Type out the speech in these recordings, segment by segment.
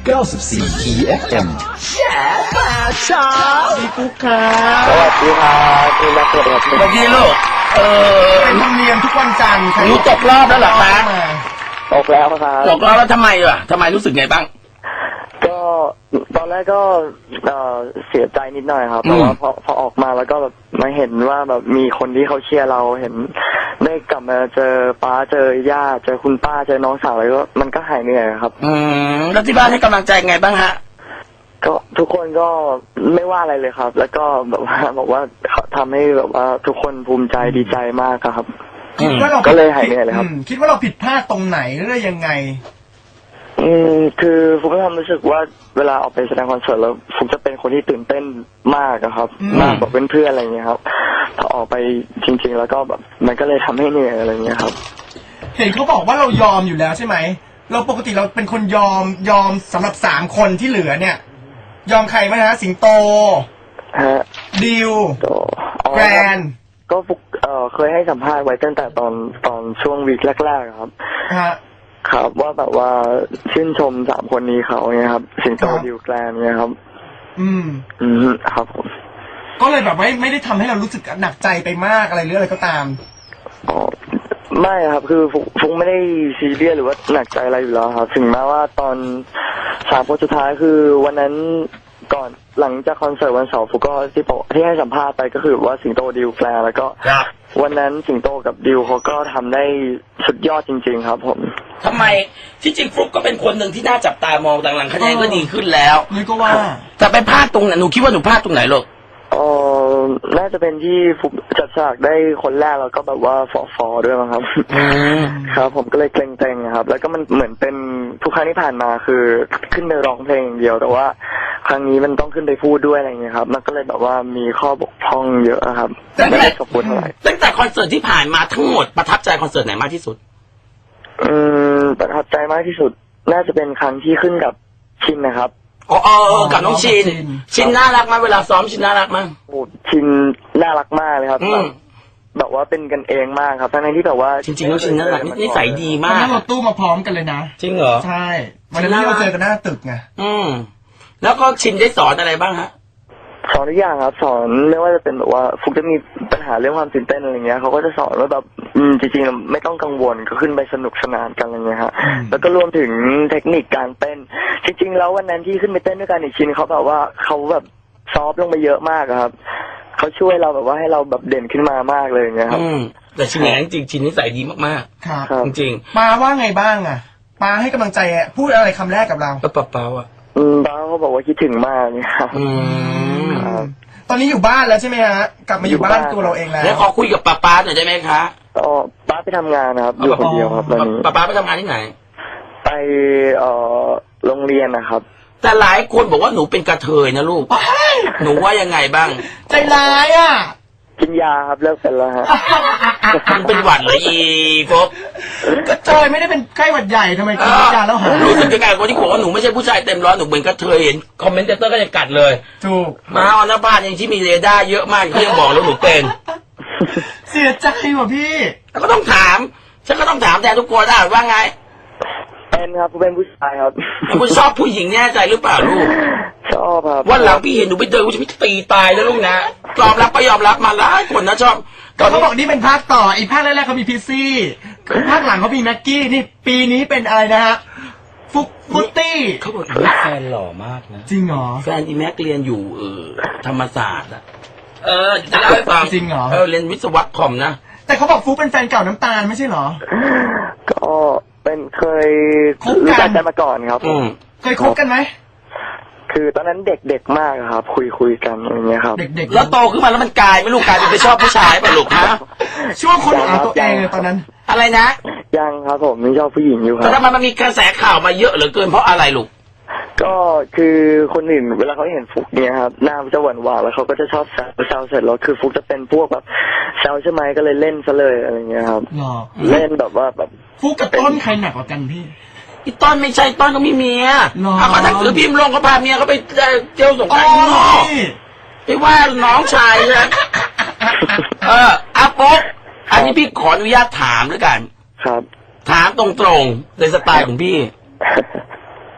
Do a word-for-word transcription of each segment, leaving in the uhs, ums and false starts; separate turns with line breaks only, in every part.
เก้าสิบสี่ อี เอฟ เอ็ม แฉมาเช้าพี่ปุ๊กครับ
สวัสดีครับพี่นักเตะครับ
สวัสดีลูกเออ
เป็นธรรมเนียมทุกวันจันทร์
หนูตกรอบแล้วเหรอคะ
ตกแล้วครับ
ตกรอบแล้วทำไมล่ะทำไมรู้สึกไงบ้าง
ก็ตอนแรกก็เอ่อเสียใจนิดหน่อยครับ
อืม
แต่ว่าพอพอออกมาแล้วก็แบบมาเห็นว่าแบบมีคนที่เขาเชียร์เราเห็นได้กลับมาเจอป้าเจอย่าเจอคุณป้าเจอน้องสาวอะไรก็มันก็หายเหนื่อยครับ
อืมแล้วที่บ้านให้กำลังใจไงบ้างฮะ
ก็ทุกคนก็ไม่ว่าอะไรเลยครับ แล้วก็แบบว่าบอกว่าเขาทำให้แบบว่าทุกคนภูมิใจดีใจมากครับ
คิดว่าเรา
ก็เลยหายเหนื่อยเลยครับ
อืมคิดว่าเราผิดพลาดตรงไหนหรือยังไง
อืมคือฟุกก็ทำรู้สึกว่าเวลาออกไปแสดงคอนเสิร์ตแล้วฟุกจะเป็นคนที่ตื่นเต้นมากอะครับ
อืม
มากกว่าเพื่อนๆอะไรอย่างเงี้ยครับพอออกไปจริง ๆ แล้วก็แบบมันก็เลยทำให้เหนื่อยอะไรอย่างเงี้ยครับ
เห็นเขาบอกว่าเรายอมอยู่แล้วใช่ไหมเราปกติเราเป็นคนยอมยอมสำหรับสามคนที่เหลือเนี่ย ยอมใครไหมฮะสิงโต
ฮะ
ดิว
ก็อ๋อ
แกรน
ก็ฟุกเอ่อเคยให้สัมภาษณ์ไว้ตั้งแต่ตอนตอนช่วงวีคแรกๆครับ
ฮะ
ครับว่าแบบว่าชื่นชมสามคนนี้เขาเนี่ยครับสิงโต
ครับ
ดิวแกลนเนี่ยครับ
อืม
อืมครับผม
ก็เลยแบบไม่ไม่ได้ทำให้เรารู้สึกหนักใจไปมากอะไรหรืออะไรก็ตาม
อ๋อไม่ครับคือฟุกฟุกไม่ได้ซีเรียสหรือว่าหนักใจอะไรอยู่แล้วครับถึงแม้ว่าตอนสามคนสุดท้ายคือวันนั้นก่อนหลังจากคอนเสิร์ตวันเสาร์ฟุกก็ที่บอกที่ให้สัมภาษณ์ไปก็คือว่าสิงโตดิวแกลนแล้วก็
ครับ
วันนั้นสิงโตกับดิวเขาก็ทำได้สุดยอดจริงๆครับผม
ทำไมที่จริงฟลุ๊กก็เป็นคนหนึ่งที่น่าจับตามองต่างหลังคะแนนก็ดีขึ้นแล้ว
นี่ก็ว่า
แต่ไปพลาดตรงไหนหนูคิดว่าหนูพลาดตรงไหนลูก
เออน่าจะเป็นที่ฟุกจัดฉากได้คนแรกแล้วก็แบบว่าฟอฟอด้วยมั้งครับ
อืม
ครับผมก็เลยเกรงๆครับ แล้วก็มันเหมือนเป็นทุกครั้งที่ผ่านมาคือขึ้นไปร้องเพลงอย่างเดียว แต่ว่าครั้งนี้มันต้องขึ้นไปพูดด้วยอะไรอย่างเงี้ยครับ มันก็เลยแบบว่ามีข้อบกพร่องเยอะครับไม่ได้ขอบคุณเท่าไหร่
ตั้งแต่คอนเสิร์ตที่ผ่านมาทั้งหมดประทับใจคอนเสิร์ตไหนมากที่สุด
อืมประทับใจมากที่สุด น่าจะเป็นครั้งที่ขึ้นกับชินนะครับ
อ๋อเออเออกับน้องชิน
ชิน
ชินน่ารักมากเวลาซ้อมชินน่ารักมาก
โอ้ชินน่ารักมากเลยครับ
อืม
แบบว่าเป็นกันเองมากครับทั้งๆที่แบบว่า
จริงๆแล้วชินน่ารักนิสัยดี
วัน
มาก
นั้นเราตู้มาพร้อมกันเลยนะ
จริงเหรอ
ใช่วันนั้นที่เราเจอกันหน้าตึกไง
อืมแล้วก็ชินได้สอนอะไรบ้างฮะ
สอนทุกอย่างครับสอนไม่ว่าจะเป็นแบบว่าฟุกจะมีปัญหาเรื่องความตื่นเต้นอะไรเงี้ยเขาก็จะสอนว่าแบบอืมจริงๆไม่ต้องกังวลก็ขึ้นไปสนุกสนานกันอะไรเงี้ยฮะ
อืม
แล้วก็รวมถึงเทคนิคการเต้น จริง ๆ แล้ววันนั้นที่ขึ้นไปเต้นด้วยกันอีกชินเขาแบบว่าเขาแบบซอฟต์ลงไปเยอะมากอะครับเขาช่วยเราแบบว่าให้เราแบบเด่นขึ้นมามากเลยอย่างเงี้ยครับ
อืมแต่ชินอย่างนั้นจริงๆชินนิสัยดีมาก
ครับ
ครับ
ๆจริง
ปาว่าไงบ้างอ่ะปาให้กำลังใจอะพูดอะไรคำแรกกับเรา
ๆก็เปล่าๆอ่ะ
อืมป้าเขาบอกว่าคิดถึงมากเนี่ยครับ
อืม
ครับ
ตอนนี้อยู่บ้านแล้วใช่ไหมฮะ กลับมาอยู่บ้านตัวเราเองแล้ว
แล้วขอคุยกับป้าป้าหน่อยได้ไหมคะ
ก็ป้าไปทำงานนะครับอยู่คนเดียวครับตอนนี้
ป้าป้าไปทำงานที่ไหน
ไปเอ่อโรงเรียนนะครับ
แต่หลายคนบอกว่าหนูเป็นกระเทยนะลูก หนูว่ายังไงบ้าง
ใจร้ายอ่ะ
กินยาครับเลิกเป็นแล้วฮะ
มันเป็นหวัดเหรออีโฟก
กระเทยไม่ได้เป็นไข้หวัดใหญ่ทำไมกินยาแล้วหาย
รู้สึกยังไงคนที่บอกว่าหนูไม่ใช่ผู้ชายเต็มร้อยหนูเหมือนกระเทยเห็นคอมเมนเตอร์ก็จะกัดเลย
ถูก
มาออนภายังที่มีเรดาร์เยอะมากที่ยังบอกแล้วหนูเป็น
เสียใจว่ะพี่
แล้วก็ต้องถาม ฉันก็ต้องถามแทนทุกคนได้ว่าไง
เป็นครับเป็นผู้ชายครับ
คุณชอบผู้หญิงแน่ใจหรือเปล่าลูก
ชอบครับ
วันหลังพี่เห็นหนูไปเดินกูจะไม่ตีตายแล้วลูกนะยอมรับไปยอมรับมาหลายคนนะชอบต
ก็
อน
เขา
นี้
บอกนี่เป็นภาคต่ออีกภาคแรกๆเขามีพิซซี่ภาคหลังเขามีแม็กกี้นี่ปีนี้เป็นอะไรนะฮะฟุกฟุตตี้
เขาบอกว่าแฟนหล่อมากนะ
จริงเหรอ
แฟนอีแม็กเรียนอยู่เออธรรมศาสตร์อะเออจะเล่าให้ฟัง
จริงเหรอ
เออเรียนวิศวะคอมนะ
แต่เขาบอกฟุกเป็นแฟนเก่าน้ำตาลไม่ใช่เหรอ
ก็เป็นเคย
คบกัน
รู้จักกันมาก่อนครับ
อืม
เคยคบกันไหม
คือตอนนั้นเด็กๆมากครับ คุยคุยๆกันอะไรเงี้ยครับ
เด็กๆ
แล้วโตขึ้นมาแล้วมันกลายไม่ลูกกลายเป็นไปชอบผู้ชายป่ะลูกฮะ
ช่วงคนหาตัวเองเลยตอนนั้น
อะไรนะ
ยังครับผมยังชอบผู้หญิงอยู่ค
แต่
รับ
ทำไมมันมีกระแสข่าวมาเยอะเหลือเกินเพราะอะไรลูก
ก็คือคนอื่นเวลาเขาเห็นฟุกเนี่ยครับหน้ามันจะหวานหวานๆแล้วเขาก็จะชอบแซวแซวเสร็จแล้วคือฟุกจะเป็นพวกแบบแซวใช่ไหมก็เลยเล่นซะเลยอะไรเงี้ยครับ
หรอ
เล่นแบบว่าแบบ
ฟุกกับต้นใครหนักกว่ากันพี่
อีต้นไม่ใช่ต้นก็มีเมีย
หรอ
เอาก็ถ้าคือพิมพ์ลงก็พาเมียเขาไปเที่ยวสงก
อ๋
รา
อน
ต์ข้างนอก
พี่
ไปว่าน้องชายนะเอออาปุ๊กอันนี้พี่ขออนุญาตถามด้วยกัน
ครับ
ถามตรงๆในสไตล์ของพี่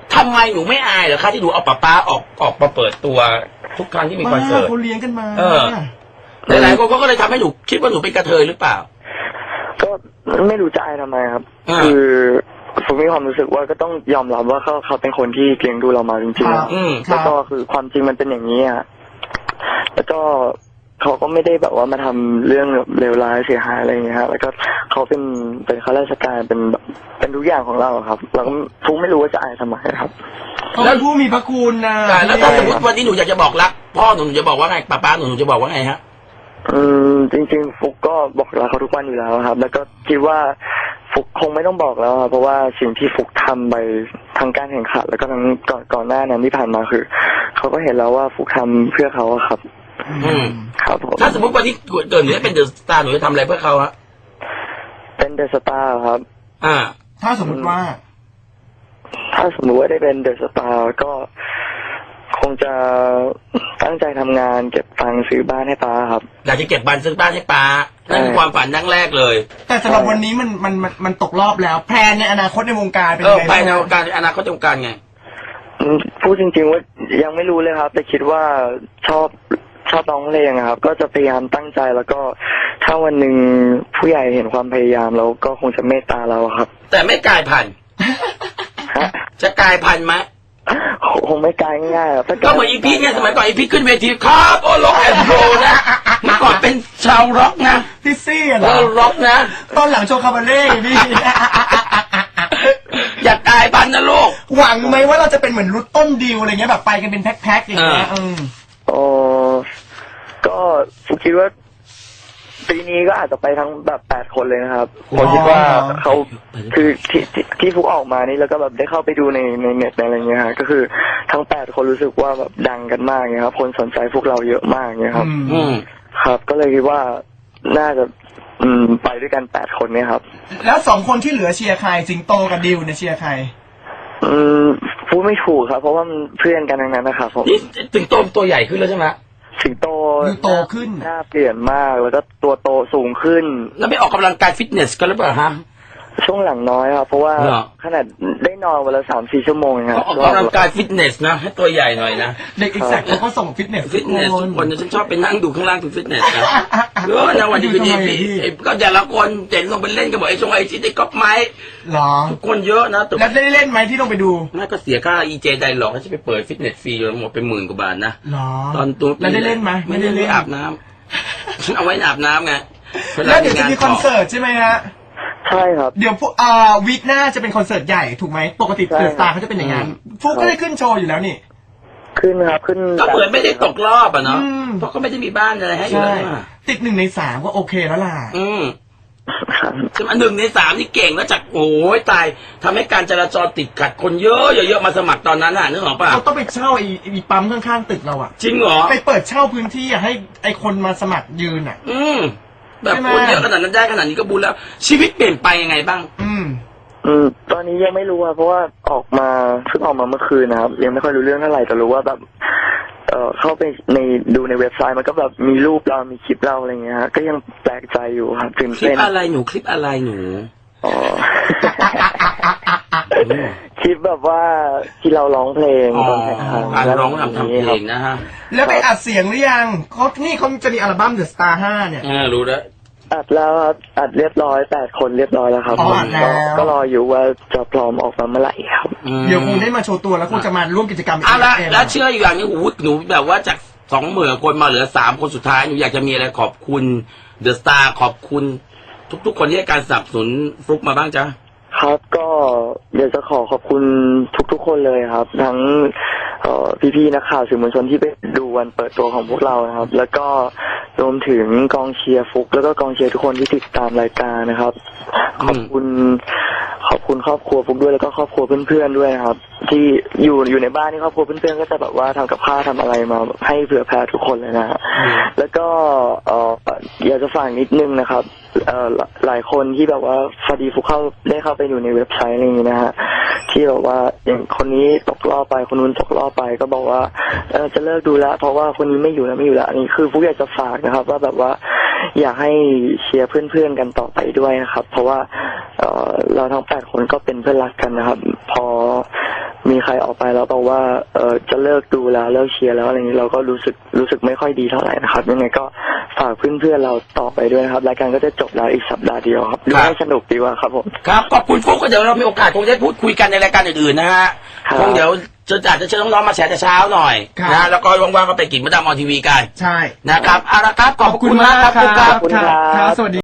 ทำไมหนูไม่อายเหรอคะที่หนูเอาป๊าป๊าออกออกมาเปิดตัวทุกครั้งที่มีคอนเสิร์ต
เขาเลี้ยงกันมา
เออ หลายๆคนก็เลยทำให้หนูคิดว่าหนูเป็นกระเทยหรือเปล่า
ก็ไม่รู้จะอายทำไมครับ
อ่า
คือผมมีความรู้สึกว่าก็ต้องยอมรับว่าเขาเขาเป็นคนที่เลี้ยงดูเรามาจริง
ครับ
ๆ
อืม
ครั
แล้
บ
วก็คือความจริงมันเป็นอย่างนี้อ่ะแล้วก็เขาก็ไม่ได้แบบว่ามาทำเรื่องเลวร้ายเสียหายอะไรอย่างเงี้ยฮะแล้วก็เขาเป็นเป็นข้าราชการเป็นแบบเป็นทุกอย่างของเราอะครับ เราก็ทุกไม่รู้ว่าจะอายทำไมครับ
เขาเป็นผู้มีพระคุณนะ
แต่แล้วถ้าสมมติวันนี้หนูอยากจะบอกรักพ่อหนูหนูจะบอกว่าไงป๊าป๊าหนูหนูจะบอกว่าไงฮะ
อืมจริงๆฟุกก็บอกลาเขาทุกวันอยู่แล้วครับ แล้วก็คิดว่าฟุกคงไม่ต้องบอกแล้วครับเพราะว่าสิ่งที่ฟุกทำไปทั้งการแข่งขันแล้วก็ทั้งก่อนก่อนหน้านั้นที่ผ่านมาคือเขาก็เห็นแล้วว่าฟุกทำเพื่อเขาอะครับ
อืม
ครับผม
ถ้าสมมติวันนี้เกิดหนูได้เป็นเดอะสตาร์หนูจะทำอะไรเพื่อเขาฮะ
เป็นเดอะสตาร์ครับ
อ่า
ถ้าสมมติว่า
ถ้าสมมติว่าได้เป็นเดอะสตาร์ก็คงจะตั้งใจทำงานเก็บตังค์ซื้อบ้านให้ป้าครับ
อยากจะเก็บบ้านซื้อบ้านให้ป๊านั่นคือความฝันดั้งแรกเลย
แต่สำหรับวันนี้มันมันมันมันตกรอบแล้ว แพลนในอนาคตในวงการเป็น
เอ
ยั
อง
ไง
ไป
บ้าง
ในวงการอนาคตในวงการไง
อืมพูดจริงๆว่ายังไม่รู้เลยครับ แต่คิดว่าชอบชอบร้องเพลงอะครับ ก็จะพยายามตั้งใจแล้วก็ถ้าวันหนึ่งผู้ใหญ่เห็นความพยายามเราก็คงจะเมตตาเราครับ
แต่ไม่กลายพันธุ์
ฮะ
จะกลายพันธุ์ไหม
คงไม่กลายง่ายๆครับถ้า
ก็เหมือนอีพีเนี่ยสมัยก่อนอีพีขึ้นเวทีครับโอ้ล็อกแอนด์โรนะเมื่อก่อนเป็นชาวร็อกนะ
พี่ซี่เหร
เอ
อ
อร็อกนะ
ตอนหลังโชว์คาบาเล่พี่
อย่ากลายพันธุ์นะลูก
หวังไหมว่าเราจะเป็นเหมือนรุดต้นดิวอะไรเงี้ยแบบไปกันเป็นแพ็คๆอย่างเงี้ย
อ่า
อืม
โอ้ก็ฟุกคิดว่าปีนี้ก็อาจจะไปทั้งแบบแปดคนเลยนะครับผมคิดว่าเขาคือที่ที่ที่ฟุกออกมานี่แล้วก็แบบได้เข้าไปดูในในเน็ตในอะไรเงี้ยฮะก็คือทั้งแปดคนรู้สึกว่าแบบดังกันมากเงี้ยครับคนสนใจพวกเราเยอะมากเงี้ยครับ
อืม
ครับ ก็เลยคิดว่าน่าจะอืมไปด้วยกันแปดคนเนี่ยครับ
แล้วสองคนที่เหลือเชียร์ใครสิงโตกับดิวเนี่ยเชียร์ใคร
อืมพูดไม่ถูกครับ เพราะว่ามันเพื่อนกันทั้งนั้นนะครับผม
นี่ถึงโตตัวใหญ่ขึ้นแล้วใช่ไหม
สิงโต
ดูโตขึ้น
หน้าเปลี่ยนมากแล้วก็ตัวโตสูงขึ้น
แล้วไม่ออกกำลังกายฟิตเนสกันหรือเปล่าฮะ
ช่วงหลังน้อยครับเพราะว่า
เหรอ
ขนาดได้นอนวันละสามสี่ชั่วโมงเองค
เขา
รับ
ออกกำลังกายฟิตเนสนะให้ตัวใหญ่หน่อยนะ
เด็กอีกแซกเขาก็ส่งฟิตเนส
ฟิตเนสทุกคนนะฉันชอบไปนั่งดูข้างล่างคือฟิตเนสนะเออนะวันนี้คือดีพี่ไอ้ก็แต่ละคนเจ๋งลงไปเล่นกันหมดไอ้ชงไอ้ชิดไอ้ก๊อปไม้
หรอ
ทุกคนเยอะนะแต่
แล้วได้เล่นไหมที่ลงไปดู
น่าก็เสียค่าอีเจไดหรอกให้ฉันไปเปิดฟิตเนสฟรีหมดเป็นหมื่นกว่าบาทนะ
หรอ
ตอนตัว
แล้วได้เล่นไหม
ไม่ได้
ไม่ได้เล่
เล่น
น
อาบน้ำฉันเอาไว้อาบน้ำไง
แล้วเดี๋ยวจะมีคอนเสิร์ตใช่ไหมฮะ
ใช่ครับ
เดี๋ยวพวกอ่าวีคหน้าจะเป็นคอนเสิร์ตใหญ่ถูกไหมปกติ
ใช่
เดอะสตาร์เขาจะเป็นอย่างนั้นฟุกก็ได้ขึ้นโชว์อยู่แล้วนี่
ขึ้นครับขึ้น
ก็เหมือนไม่ได้ตกรอบอ่ะเนาะ
อืม
เพราะก็ไม่ได้มีบ้านอะไรให้อยู่
ใช่
แล้วอะ
ติดหนึ่งในสามก็โอเคแล้วล่ะ
อืม
ครับ
ใช่ไหมหนึ่งในสามนี่เก่งแล้วจากโอ้ยตายทำให้การจราจรติดขัดคนเยอะเยอะๆมาสมัครตอนนั้นอ่ะนึกออกป่ะ
เราต้องไปเช่าไอ้ไอ้ปั๊มข้างๆตึกเราอะ
จริงเหรอ
ไปเปิดเช่าพื้นที่อะให้ไอ้คนมาสมัครยืนอะ
อืมแบบ
ใช่ไหม
คนเยอะขนาดนั้นได้ขนาดนี้ก็บุญแล้ว ชีวิตเปลี่ยนไปยังไงบ้าง
อืม
อืมตอนนี้ยังไม่รู้ครับเพราะว่าออกมาเพิ่งออกมาเมื่อคืนนะครับ ยังไม่ค่อยรู้เรื่องเท่าไหร่แต่รู้ว่าแบบ เอ่อเข้าไปในดูในเว็บไซต์มันก็แบบมีรูปเรามีคลิปเราอะไรเงี้ยฮะก็ยังแปลกใจอยู่ครับตื่น
คลิป
เต้น
อะไรหนูคลิปอะไรหนู
อ๋อ
อืม
คลิปแบบว่าที่เราร้องเพลง
อ๋อ
ตอนแข่งขัน
การร้องทำทำเพลงนะฮะ
แล้วไปอัดเสียงหรือยังเขานี่เขาจะมีอัลบั้ม The Star ห้าเนี่ย
เออรู้แล้ว
อัดแล้วครับอัดเรียบร้อยแปดคนเรียบร้อยแล้วครับ
อ๋ออัดแล้ว
ก็ก็รออยู่ว่าจะพร้อมออกมาเมื่อไหร่ครับ
อืม
เดี๋ยวคงได้มาโชว์ตัวแล้วคงจะมาร่วมกิจกรรมอีก
เอาละ
เอ็ม
แล้วเชื่ออยู่อย่างนี้โอ้โหหนูแบบว่าจากสองหมื่นคนมาเหลือสามคนสุดท้ายหนูอยากจะมีอะไรขอบคุณเดอะสตาร์ขอบคุณ ทุกๆคนที่ให้การสนับสนุนฟลุกมาบ้างจ๊ะ
ครับก็เดี๋ยวจะขอขอบคุณทุกๆคนเลยครับ ทั้งเอ่อพี่ๆนักข่าวสื่อมวลชนที่ไปดูวันเปิดตัวของพวกเรานะครับ แล้วก็รวมถึงกองเชียร์ฟลุกแล้วก็กองเชียร์ทุกคนที่ติดตามรายการนะครับ ขอบคุณขอบคุณครอบครัวฟลุกด้วยแล้วก็ครอบครัวเพื่อนๆด้วยนะครับ ที่อยู่อยู่ในบ้านนี่ครอบครัวเพื่อนๆก็จะแบบว่าทำกับข้าวทำอะไรมาแบบให้เผื่อแผ่ทุกคนเลยนะฮะ
อืม
แล้วก็เอ่ออยากจะฝากนิดนึงนะครับเอ่อหลายคนที่แบบว่าพอดีฟุกเข้าได้เข้าไปอยู่ในเว็บไซต์อะไรอย่างนี้นะฮะที่แบบว่าอย่างคนนี้ตกรอบไปคนนู้นตกรอบไปก็บอกว่าเออจะเลิกดูแล้วเพราะว่าคนนี้ไม่อยู่แล้วไม่อยู่แล้วอันนี้คือฟุกอยากจะฝากนะครับ ว่าแบบว่าอยากให้เชียร์เพื่อนๆกันต่อไปด้วยนะครับ เพราะว่าเอ่อเราทั้งแปดคนก็เป็นเพื่อนรักกันนะครับ พอมีใครออกไปแล้วบอกว่าเออจะเลิกดูแล้วเลิกเชียร์แล้วอะไรอย่างนี้เราก็รู้สึกรู้สึกไม่ค่อยดีเท่าไหร่นะครับยังไงก็ฝากเพื่อนๆเราต่อไปด้วยนะครับรายการก็จะจบแล้วอีกสัปดาห์เดียวครับดูให้สนุกดีกว่าครับผม
ครับขอบคุณฟุกก็เดี๋ยวเรามีโอกาสคงจะพูดคุยกันในรายการอื่นๆนะฮะ
ครับ
คงเดี๋ยวจะอาจจะเชิญน้องๆมาแชร์แต่เช้าหน่อย
ครับ
นะแล้วก็ว่างๆก็ไปกินมะดามออนทีวีกัน
ใช่
นะครับเอาละครับขอบคุณมากครับฟุกครับ
ขอบคุณครับ
ครับสวัสดี